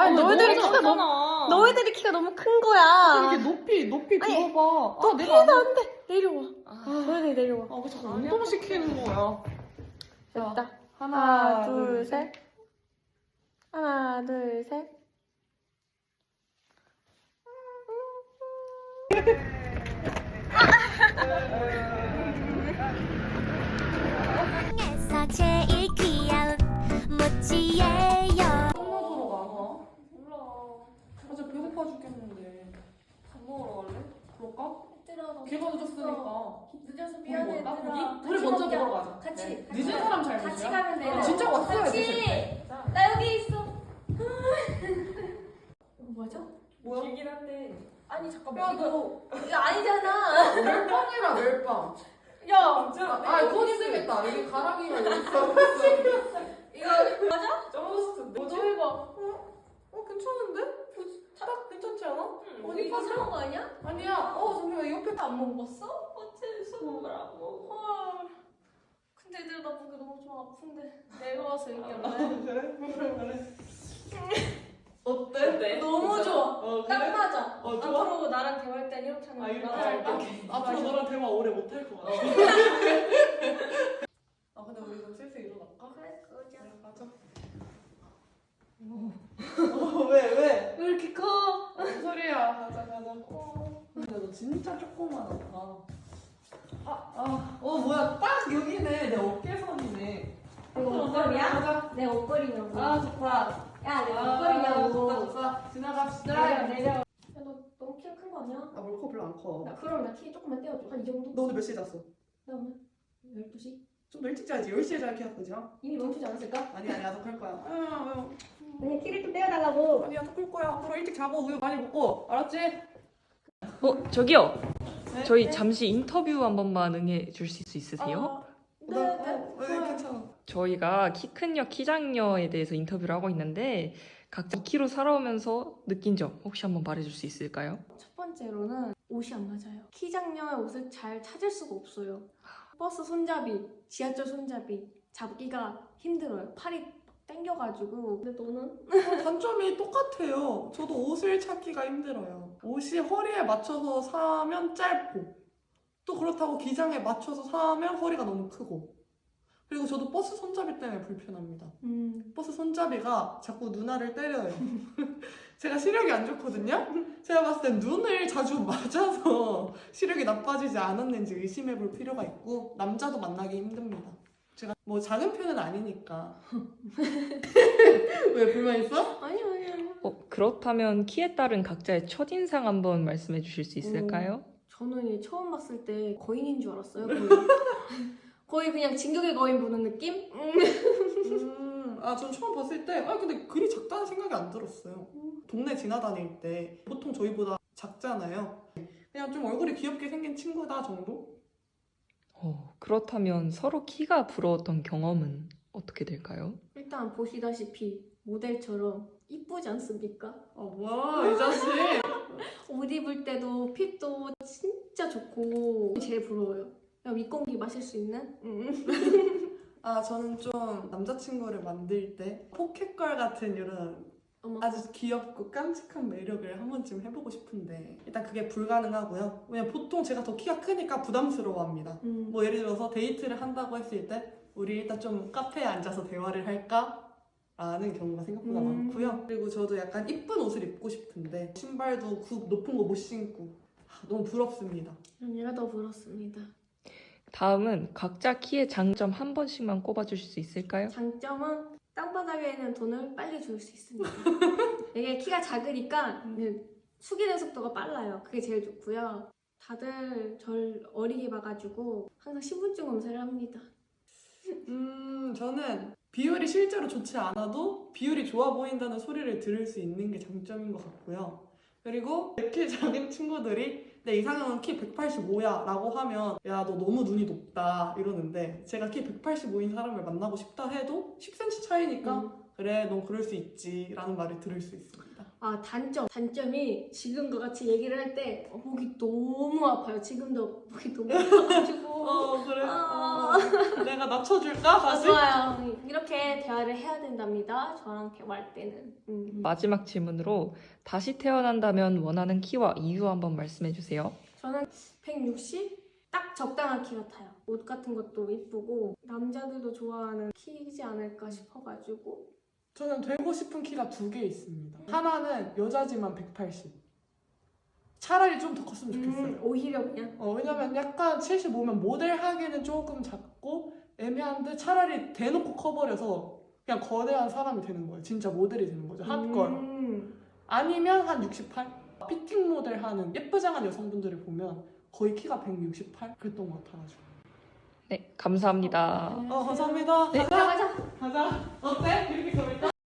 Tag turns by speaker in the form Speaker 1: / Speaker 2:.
Speaker 1: 아니, 너희들이 키가 너무 큰 거야.
Speaker 2: 이렇게 높이
Speaker 1: 아니,
Speaker 2: 들어봐.
Speaker 1: 너
Speaker 2: 내가
Speaker 1: 피해도 안 돼. 내려와. 너희들 내려와.
Speaker 2: 왜 자꾸 운동시키는 거야?
Speaker 1: 됐다.
Speaker 2: 하나,
Speaker 1: 둘, 셋. 하나, 둘, 셋.
Speaker 3: 세상에서 제일 귀여운 모찌예요.
Speaker 2: 끝나도록 안 와? 몰라. 어제 배고파 죽겠는데. 밥 먹으러 갈래? 그럴까?
Speaker 4: 얘들아,
Speaker 2: 걔가 늦었으니까.
Speaker 4: 늦어서 미안해,
Speaker 2: 먹을까?
Speaker 4: 얘들아.
Speaker 2: 우리 먼저 먹으러 가자.
Speaker 4: 같이.
Speaker 2: 네.
Speaker 4: 같이
Speaker 2: 늦은 사람 잘
Speaker 4: 같이
Speaker 2: 되냐?
Speaker 4: 가면 돼.
Speaker 2: 진짜 왔어야
Speaker 4: 같이.
Speaker 2: 돼.
Speaker 4: 나 여기 있어. 뭐죠?
Speaker 2: 뭐야?
Speaker 4: 길긴 한데. 아니 잠깐만.
Speaker 2: 야, 너
Speaker 4: 이거 아니잖아.
Speaker 2: 멜빵이라 멜빵.
Speaker 4: 야,
Speaker 2: 그거 쓰겠다. 여기 가랑이가 여기 있어.
Speaker 4: 이거 맞아?
Speaker 2: 점스트.
Speaker 4: 너 해봐.
Speaker 2: 괜찮은데? 딱 괜찮지 않아?
Speaker 4: 어디 이거 사는 거 아니야?
Speaker 2: 아니야. 잠시만. 이 옆에
Speaker 4: 안 먹었어? 어째 수업을 안 먹어? 헐. 근데 애들 나 보기 너무 좀 아픈데 내려와서 얘기할래?
Speaker 2: 그래. 어때?
Speaker 4: 너무 좋아.
Speaker 2: 그래?
Speaker 4: 딱 맞아.
Speaker 2: 좋아?
Speaker 4: 앞으로 나랑 대화할 땐 이렇게 하는
Speaker 2: 이렇게
Speaker 4: 거야.
Speaker 2: 할까? 앞으로 너랑 대화 오래 못 할 것 같아. 근데 우리 좀 슬슬 일어날까?
Speaker 4: 그래, 그러자.
Speaker 2: 가자. 왜?
Speaker 4: 왜 이렇게 커?
Speaker 2: 무슨 소리야? 가자. 근데 너 진짜 조그만하다. 뭐야? 딱 여기네. 내 어깨선이네.
Speaker 4: 이거 옷걸이야?
Speaker 2: 가자.
Speaker 4: 내 옷걸이냐고.
Speaker 2: 좋다.
Speaker 4: 야, 내 옷걸이냐고.
Speaker 2: 좋다. 지나갑시다.
Speaker 4: 내려. 야, 너 너무 키가 큰 거 아니야?
Speaker 2: 나 몰카 별로 안 커.
Speaker 4: 그럼 나 키 조금만 떼어줘. 한 이 정도?
Speaker 2: 너 오늘 몇 시에 잤어?
Speaker 4: 나 오늘 12시?
Speaker 2: 좀 더 일찍 자야지. 10시에 자야 키가 크지야?
Speaker 4: 이미 멈추지 않았을까?
Speaker 2: 아니야. 더 클 거야.
Speaker 4: 그냥 키를 좀 떼어달라고.
Speaker 2: 아니야. 더 클 거야. 앞으로 일찍 자고 우유 많이 먹고. 알았지?
Speaker 5: 저기요.
Speaker 2: 네?
Speaker 5: 저희 잠시 인터뷰 한 번만 응해 주실 수 있으세요?
Speaker 4: 네.
Speaker 2: 괜찮아.
Speaker 5: 저희가 키 큰녀, 키 작녀에 대해서 인터뷰를 하고 있는데 각자 2kg 살아오면서 느낀 점 혹시 한번 말해줄 수 있을까요?
Speaker 4: 첫 번째로는 옷이 안 맞아요. 키 작녀의 옷을 잘 찾을 수가 없어요. 버스 손잡이, 지하철 손잡이 잡기가 힘들어요. 팔이 땡겨가지고. 근데 너는?
Speaker 2: 단점이 똑같아요. 저도 옷을 찾기가 힘들어요. 옷이 허리에 맞춰서 사면 짧고 또 그렇다고 기장에 맞춰서 사면 허리가 너무 크고 그리고 저도 버스 손잡이 때문에 불편합니다. 버스 손잡이가 자꾸 누나를 때려요. 제가 시력이 안 좋거든요? 제가 봤을 땐 눈을 자주 맞아서 시력이 나빠지지 않았는지 의심해 볼 필요가 있고 남자도 만나기 힘듭니다. 제가 뭐 작은 편은 아니니까. 왜 불만 있어?
Speaker 4: 아니.
Speaker 5: 그렇다면 키에 따른 각자의 첫인상 한번 말씀해 주실 수 있을까요?
Speaker 4: 저는 얘 처음 봤을 때 거인인 줄 알았어요. 거의 그냥 진격의 거인 보는 느낌?
Speaker 2: 전 처음 봤을 때, 근데 그리 작다는 생각이 안 들었어요. 동네 지나다닐 때 보통 저희보다 작잖아요. 그냥 좀 얼굴이 귀엽게 생긴 친구다 정도?
Speaker 5: 그렇다면 서로 키가 부러웠던 경험은 어떻게 될까요?
Speaker 4: 일단 보시다시피 모델처럼 이쁘지 않습니까?
Speaker 2: 뭐야, 이 자식.
Speaker 4: 옷 입을 때도 핏도 진짜 좋고 제일 부러워요. 그냥 윗공기 마실 수 있는?
Speaker 2: 저는 좀 남자친구를 만들 때 포켓걸 같은 이런
Speaker 4: 어머.
Speaker 2: 아주 귀엽고 깜찍한 매력을 한 번쯤 해보고 싶은데 일단 그게 불가능하고요. 왜냐면 보통 제가 더 키가 크니까 부담스러워합니다. 뭐 예를 들어서 데이트를 한다고 했을 때 우리 일단 좀 카페에 앉아서 대화를 할까? 라는 경우가 생각보다 많고요. 그리고 저도 약간 이쁜 옷을 입고 싶은데 신발도 높은 거 못 신고 너무 부럽습니다.
Speaker 4: 그럼 얘가 더 부럽습니다.
Speaker 5: 다음은 각자 키의 장점 한 번씩만 꼽아주실 수 있을까요?
Speaker 4: 장점은 땅바닥에 있는 돈을 빨리 줄 수 있습니다. 이게 키가 작으니까 숙이는 속도가 빨라요. 그게 제일 좋고요. 다들 절 어리게 봐가지고 항상 신분증 검사를 합니다.
Speaker 2: 저는 비율이 실제로 좋지 않아도 비율이 좋아 보인다는 소리를 들을 수 있는 게 장점인 것 같고요. 그리고 키 작은 친구들이 내 이상형은 키 185야 라고 하면 야, 너 너무 눈이 높다 이러는데 제가 키 185인 사람을 만나고 싶다 해도 10cm 차이니까 그래, 넌 그럴 수 있지 라는 말을 들을 수 있습니다.
Speaker 4: 단점이 지금과 같이 얘기를 할 때 목이 너무 아파요. 지금도 목이 너무 아파가지고.
Speaker 2: 그래.
Speaker 4: 아.
Speaker 2: 내가 낮춰줄까 다시?
Speaker 4: 좋아요. 이렇게 대화를 해야 된답니다. 저랑 대화할 때는.
Speaker 5: 마지막 질문으로 다시 태어난다면 원하는 키와 이유 한번 말씀해 주세요.
Speaker 4: 저는 160? 딱 적당한 키 같아요. 옷 같은 것도 이쁘고 남자들도 좋아하는 키이지 않을까 싶어가지고.
Speaker 2: 저는 되고 싶은 키가 2개 있습니다. 하나는 여자지만 180. 차라리 좀 더 컸으면 좋겠어요.
Speaker 4: 오히려 그냥.
Speaker 2: 왜냐면 약간 75면 모델하기는 조금 작고 애매한데 차라리 대놓고 커버려서 그냥 거대한 사람이 되는 거예요. 진짜 모델이 되는 거죠. 핫걸. 아니면 한 68? 피팅 모델 하는 예쁘장한 여성분들을 보면 거의 키가 168? 그랬던 것 같아가지고.
Speaker 5: 네, 감사합니다.
Speaker 2: 감사합니다.
Speaker 5: 네.
Speaker 2: 가자. 가자. 어때? 이렇게 가볼까?